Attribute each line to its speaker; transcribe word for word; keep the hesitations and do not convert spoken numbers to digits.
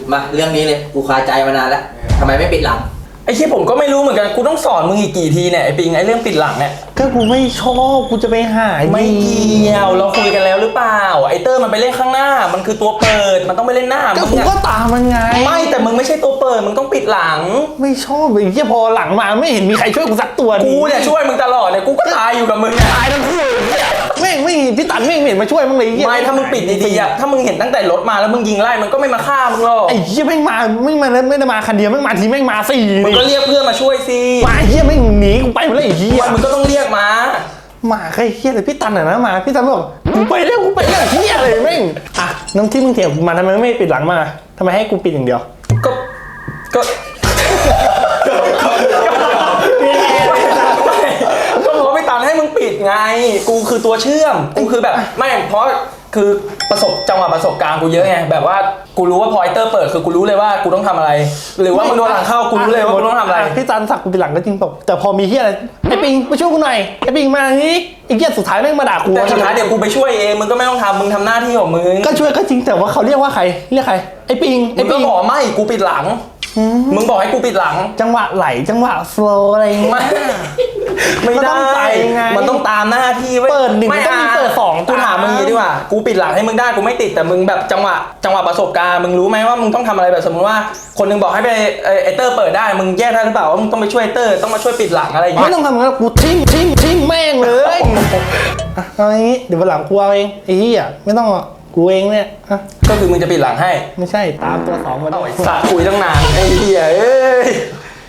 Speaker 1: มาเรื่องนี้เลยกูคาใจมานานแล้วทำไมไม่ปิดหลัง
Speaker 2: ไอ้ที่ผมก็ไม่รู้เหมือนกันกูต้องสอนมึงอีกกี่ทีเนี่ยไอ้ปิงไอ้เรื่องปิดหลังเนี่ย
Speaker 3: ก็กูไม่ชอบกูจะไปหาย
Speaker 2: ไม่เกี่ยวเราคุยกันแล้วหรือเปล่าไอ้เตอร์มันไปเล่นข้างหน้ามันคือตัวเปิดมันต้องไปเล่นหน้ามึง
Speaker 3: ก็ตามมันไง
Speaker 2: ไม่แต่มึงไม่ใช่ตัวเปิดมึงต้องปิดหลัง
Speaker 3: ไม่ชอบไอ้ที่พอหลังมาไม่เห็นมีใครช่วยกูสักตัว
Speaker 2: กูเนี่ยช่วยมึงตลอดเนี่ยกูก็ตายอยู่กับมึงเนี่ย
Speaker 3: ตายทั้งคู่แม่งไม่พี่ตันแม่งเห็นมาช่วยมึงเลย
Speaker 2: ไม่ถ้ามึงปิดดีๆอ่ะถ้ามึงเห็นตั้งแต่รถมาแล้วมึงยิงไล่มันก็ไม่มาฆ่ามึงหรอก
Speaker 3: ไอ้เหี้ยแม่งมาไม่มาไม่ได้มาคันเดียวแม่งมาทีแม่งมาสี่
Speaker 2: มึงก็เรียกเพื่อนมาช่วยสิ
Speaker 3: มาเหี้ยแม่งหนีกูไปหมดเลยไอ้เหี้ย
Speaker 2: มึงก็ต้องเรียกมา
Speaker 3: มาใครเหี้ยเลยพี่ตันอ่ะนะมาพี่ตันบอกกูไปแล้วกูไปแล้วเหี้ยเลยแม่งอ่ะน้ำที่มึงเถียงมาทำไมไม่ปิดหลังมาทำไมให้กูปิดอย่างเดียว
Speaker 2: ก็ก็ก็เพราะไม่ตันให้มึงปิดไงกูคือตัวเชื่อมกูคือแบบไม่เพราะคือประสบจังหวะประสบการณ์กูเยอะไงแบบว่ากูรู้ว่าพอยเตอร์เปิดคือกูรู้เลยว่ากูต้องทำอะไรหรือว่ามึงโดนหลังเข้ากูรู้เลยว่ากูต้องทำอะไร
Speaker 3: พี่ตันสักกูปิดหลังก็จริงตกแต่พอมีเหี้ยอะไรไอ้ปิงมาช่วยกูหน่อยไอ้ปิงมานี้ไอ้เหี้ยสุดท้ายแม่งมาด่ากู
Speaker 2: แต่สุดท้ายเดี๋ยวกูไปช่วยเองมึงก็ไม่ต้องทำมึงทำหน้าที่ของมึง
Speaker 3: ก็ช่วยก็จริงแต่ว่าเขาเรียกว่าใครเรียกใครไอ้ปิง
Speaker 2: ไอ้ปิงก็บอกไม่กูปิดหลังมึงบอกให้กูปิดหลัง
Speaker 3: จังหวะไหลจังหวะโฟล์อะไร
Speaker 2: ไม่ไม่ได้มันต้องตามหน้าที่
Speaker 3: เปิดหนึ่งต้องมีเปิดสอง
Speaker 2: กูถามมึงอย่างนี้ดีกว่ากูปิดหลังให้มึงได้กูไม่ติดแต่มึงแบบจังหวะจังหวะประสบการณ์มึงรู้ไหมว่ามึงต้องทำอะไรแบบสมมติว่าคนนึงบอกให้ไปไอเตอร์เปิดได้มึงแยกได้หรือเปล่าว่ามึงต้องไปช่วยเตอร์ต้องมาช่วยปิดหลังอะไรอย่างเงี้ย
Speaker 3: ไม่ต้องทำงั้นกูทิ้งทิ้งทิ้งแม่งเลยเอาอย่างงี้เดี๋ยววันหลังกูเอาเองไอ้เหี้ยไม่ต้องกูเองเนี่ย
Speaker 2: ก็คือมึงจะปิดหลังให้
Speaker 3: ไม่ใช่ตามตัวสองมาด้วย
Speaker 2: สะคุยตั้งนานไอ้เหี้ยเอ้ย